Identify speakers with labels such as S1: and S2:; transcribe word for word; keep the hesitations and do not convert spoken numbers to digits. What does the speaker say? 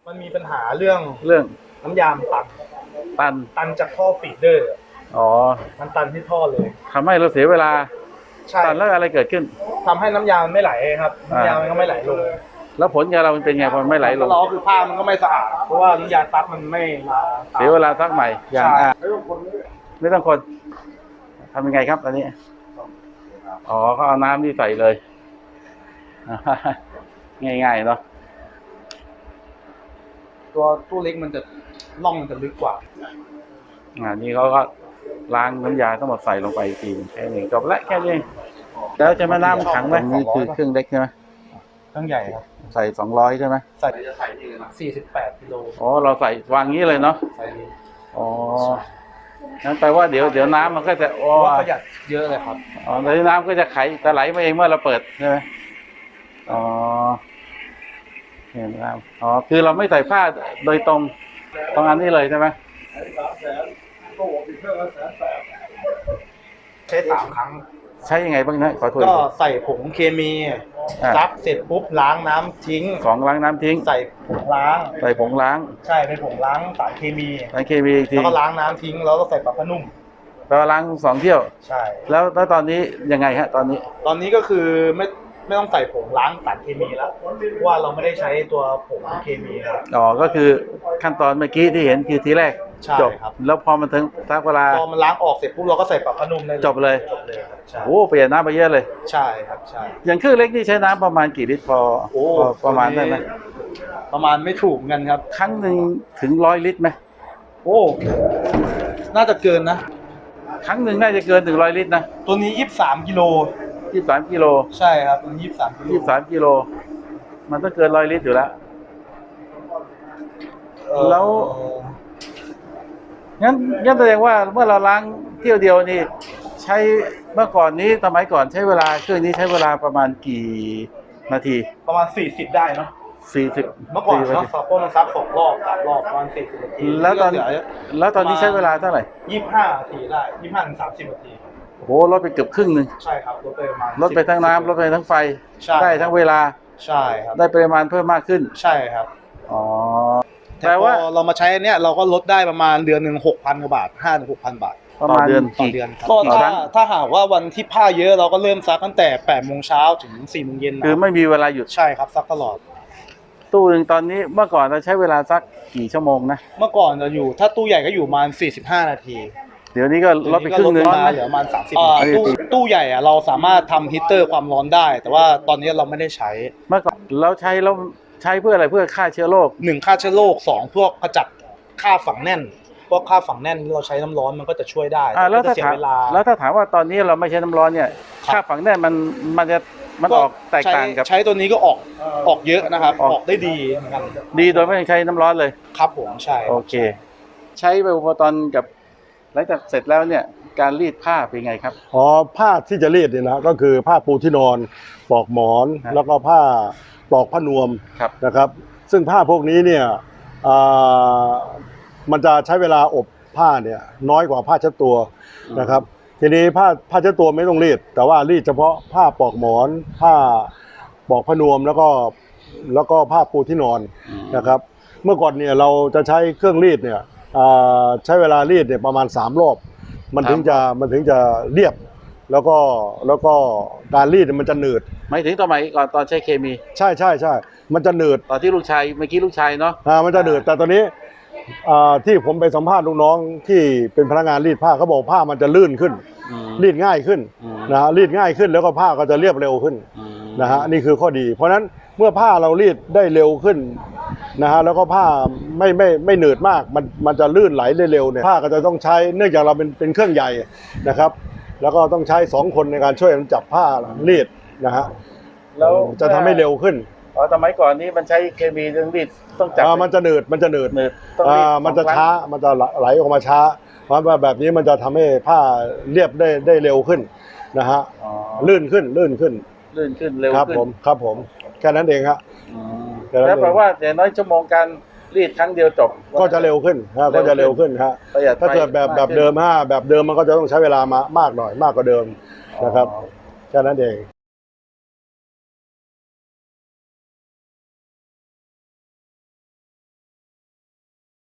S1: มันมีปัญหาเรื่อง
S2: เรื่อง
S1: น้ำยามตัน
S2: ตัน
S1: ตันจากท่อฟีดเดอร์
S2: อ๋อ
S1: มันตันที่ท่อเลย
S2: ทำให้เราเสียเวลา
S1: ใช่
S2: ตันแล้วอะไรเกิดขึ้น
S1: ทำให้น้ำยาไม่ไหลครับน้ำยามันก็ไม่ไหลลง
S2: แล้วผลงานเรามันเป็นไงพอไม่ไหลลง
S1: ล้อคือผ้ามันก็ไม่สะอาดเพราะว่าน้ำยาซักมันไม่มา
S2: เสียเวลาซักใหม่อย่างไม่ต้องคนทำยังไงครับอันนี้อ๋อก็เอาน้ำนี่ใส่เลยง่ายๆเนาะ
S1: ตัวตู้เล็กมันจะล่องมันจะลึกกว่า
S2: อ่านี่เขาก็ล้างน้ำยาทั้งหมดใส่ลงไปอีกทีแค่นี้จบละแค่นี้แล้วจะมาน้ำขังไหมนี่คือเครื่องเล็กใช่ไหม
S1: เครื่องใหญ่ครับ
S2: ใส่สองร้อยใช่ไหม
S1: ใส่สี่สิบแปดกิโล
S2: อ๋อเราใส่วางงี้เลยเนาะอ๋อนั้นแปลว่าเดี๋ยวเดี๋ยวน้ำมันก็จะอ๋อ
S1: ประหยัดเยอะเลยครับ
S2: อ๋อแล้วน้ำก็จะไขจะไหลมาเองเมื่อเราเปิดใช่ไหมอ๋อเห็นแล้วอ๋อคือเราไม่ใส่ผ้าโดยตรงตรงอันนี้เลยใช่ไหม
S1: ใช้สามครั้ง
S2: ใช้ยังไงบ้างนะขอโทษ
S1: ก็ใส่ผงเคมีซักเสร็จปุ๊บล้างน้ำทิ้ง
S2: ของล้างน้ำทิ้ง
S1: ใส่ผงล้าง
S2: ใส่ผงล้าง
S1: ใช่เป็นผงล้างสารเคมี
S2: สารเคมีอีกที
S1: แล้วก็ล้างน้ำทิ้งแล้วก็ใส่ปลาผ้านุ่ม
S2: แล้วล้างสองเที่ยว
S1: ใช่
S2: แล้วแล้วตอนนี้ยังไงฮะตอนนี้
S1: ตอนนี้ก็คือไม่ไม่ต้องใส่ผงล้างสารเคมีแล้วว่าเราไม่ได้ใช้ตัวผงเคมีครับ
S2: อ๋อก็คือขั้นตอนเมื่อกี้ที่เห็นคือทีแรกจบแล้วพอมันถึงทักเวลา
S1: พอมันล้างออกเสร็จปุ๊บเราก็ใส่ปลาผ้านุ่มได้
S2: จบเลย
S1: จบเลยครับ
S2: โอ้เปลี่ยนน้ำไปเยอะเลย
S1: ใช่ครับใช่
S2: อย่างเครื่องเล็กนี่ใช้น้ำประมาณกี่ลิตรพอประมาณได้ไหม
S1: ประมาณไม่ถูกกันครับ
S2: ครั้งหนึ่งถึงร้อยลิตรไหม
S1: โอ้น่าจะเกินนะ
S2: ครั้งหนึ่งน่าจะเกินถึงร้อยลิตรนะ
S1: ตัวนี้ยี่สิบสามกิโล
S2: ยี่สิบสามกิโล
S1: ใช่ครับตัวนี้ยี่สิบสามกิโล
S2: ยี่สิบสามกิโลมันต้องเกินร้อยลิตรอยู่แล้วแล้วงั้นงั้นแสดงว่าเมื่อเราล้างเที่ยวเดียวนี่ใช้เมื่อก่อนนี้สมัยก่อนใช้เวลาเครื่องนี้ใช้เวลาประมาณกี่นาที
S1: ประมาณสี่สิบได้เนาะ
S2: สี่สิบ
S1: เมื่อก่อนเนาะซักพวกมันซักสองรอบสามรอบประมาณสี่สิบนาที
S2: แล้วตอนแล้วตอนนี้ใช้เวลาเท่าไหร่
S1: ยี่สิบห้านาทีได้ยี่สิบห้าถึงสามสิบนาที
S2: โอ้โหลดไปเกือบครึ่งหนึ่ง
S1: ใช่ครับลดไปประมาณ
S2: ลดไปทั้งน้ำลดไปทั้งไฟได้ทั้งเวลา
S1: ใช่ครับ
S2: ได้ปริมาณเพิ่มมากขึ้น
S1: ใช่ครับ
S2: อ๋อ
S1: แต่ว่าเรามาใช้เนี้ยเราก็ลดได้ประมาณเดือนหนึ่งหกพันกว่าบาทห้าถึงหกพันบาท
S2: ประมาณเดือน
S1: ต่อเดือนก็ถ้าถ้าหากว่าวันที่ผ้าเยอะเราก็เริ่มซักตั้งแต่แปดโมงเช้าถึงสี่โมงเย็น
S2: คือไม่มีเวลาหยุด
S1: ใช่ครับซักตลอด
S2: ตู้หนึ่งตอนนี้เมื่อก่อนเราใช้เวลาซักกี่ชั่วโมงนะ
S1: เมื่อก่อนจะอยู่ถ้าตู้ใหญ่ก็อยู่ประมาณสี่สิบห้านาที
S2: เดี๋ยวนี้ก็ลดไปครึ่งนึง
S1: เหลือประมาณสามสิบตู้ตู้ใหญ่อะเราสามารถทำฮีตเตอร์ความร้อนได้แต่ว่าตอนนี้เราไม่ได้ใช้
S2: เมื่อก่อนเราใช้เราใช้เพื่ออะไรเพื่อฆ่าเชื้อโรค
S1: หนึ่งฆ่าเชื้อโรคสองพวกขจัดฆ่าฝังแน่นพวกฆ่าฝังแน่นเราใช้น้ำร้อนมันก็จะช่วยได้
S2: แล้วถ้าถามแล้วถ้าถามว่าตอนนี้เราไม่ใช้น้ำร้อนเนี่ยฆ่าฝังแน่นมันมันจะมันออกแตกต่างกับ
S1: ใช้ตัวนี้ก็ออกออกเยอะนะครับออกได้ดีเหมือนกัน
S2: ดีโดยไม่ต้องใช้น้ำร้อนเลย
S1: ครับผมใช่
S2: โอเคใช้ไปพอตอนกับหลังจากเสร็จแล้วเนี่ยการรีดผ้าเป็นไงครับ
S3: อ๋อผ้าที่จะรีดเนี่ยนะก็คือผ้าปูที่นอนปลอกหมอนแล้วก็ผ้าปลอกผ้านวมนะครับซึ่งผ้าพวกนี้เนี่ยมันจะใช้เวลาอบผ้าเนี่ยน้อยกว่าผ้าเช็ดตัวนะครับทีนี้ผ้าผ้าเช็ดตัวไม่ต้องรีดแต่ว่ารีดเฉพาะผ้าปลอกหมอนผ้าปลอกผ้านวมแล้วก็แล้วก็ผ้าปูที่นอนนะครับเมื่อก่อนเนี่ยเราจะใช้เครื่องรีดเนี่ยใช้เวลารีดเนี่ยประมาณสามรอบมันถึงจะมันถึงจะเรียบแล้วก็แล้วก็การรีดมันจะหนืด
S2: ไม่ถึงตอนไหนก่อนตอนใช้เคมี
S3: ใช่ใช่ใช่มันจะหนืด
S2: ตอนที่ลูกชายเมื่อกี้ลูกชายเนาะ
S3: อ่ามันจะหนืดแต่ตอนนี้ที่ผมไปสัมภาษณ์ลูกน้องที่เป็นพนักงานรีดผ้าเขาบอกผ้ามันจะลื่นขึ้นรีดง่ายขึ้นนะฮะรีดง่ายขึ้นแล้วก็ผ้าก็จะเรียบเร็วขึ้นนะฮะนี่คือข้อดีเพราะฉะนั้นเมื่อผ้าเรารีดได้เร็วขึ้นนะฮะแล้วก็ผ้าไม่ไม่ไม่หนืดมากมันมันจะลื่นไหลได้เร็วเนี่ยผ้าก็จะต้องใช้เนื่องจากเราเป็นเป็นเครื่องใหญ่นะครับแล้วก็ต้องใช้สองคนในการช่วยกันจับผ้ารีดนะฮะแล้วจะทำให้เร็วขึ้น
S2: อ๋อสมัยก่อนนี้มันใช้เคมีเรื่องรีดต้องจับ
S3: มันจะหนืดมันจะหนืดอ่ามันจะช้ามันจะไหลออกมาช้าเพราะว่าแบบนี้มันจะทำให้ผ้าเรียบได้ได้เร็วขึ้นนะฮะลื่นขึ้นลื่นขึ้น
S2: ลื่นขึ้นเร็วขึ้น
S3: ครับผมครับผมแค่นั้นเองครับ
S2: แล้วแปลว่าอย่างน้อยชั่วโมงการรีดครั้งเดียวจบ
S3: ก็จะเร็วขึ้นก็จะเร็วขึ้นครับถ้าเกิดแบบแบบเดิมฮะแบบเดิมมันก็จะต้องใช้เวลามามากหน่อยมากกว่าเดิมนะครับแค่นั้นเอง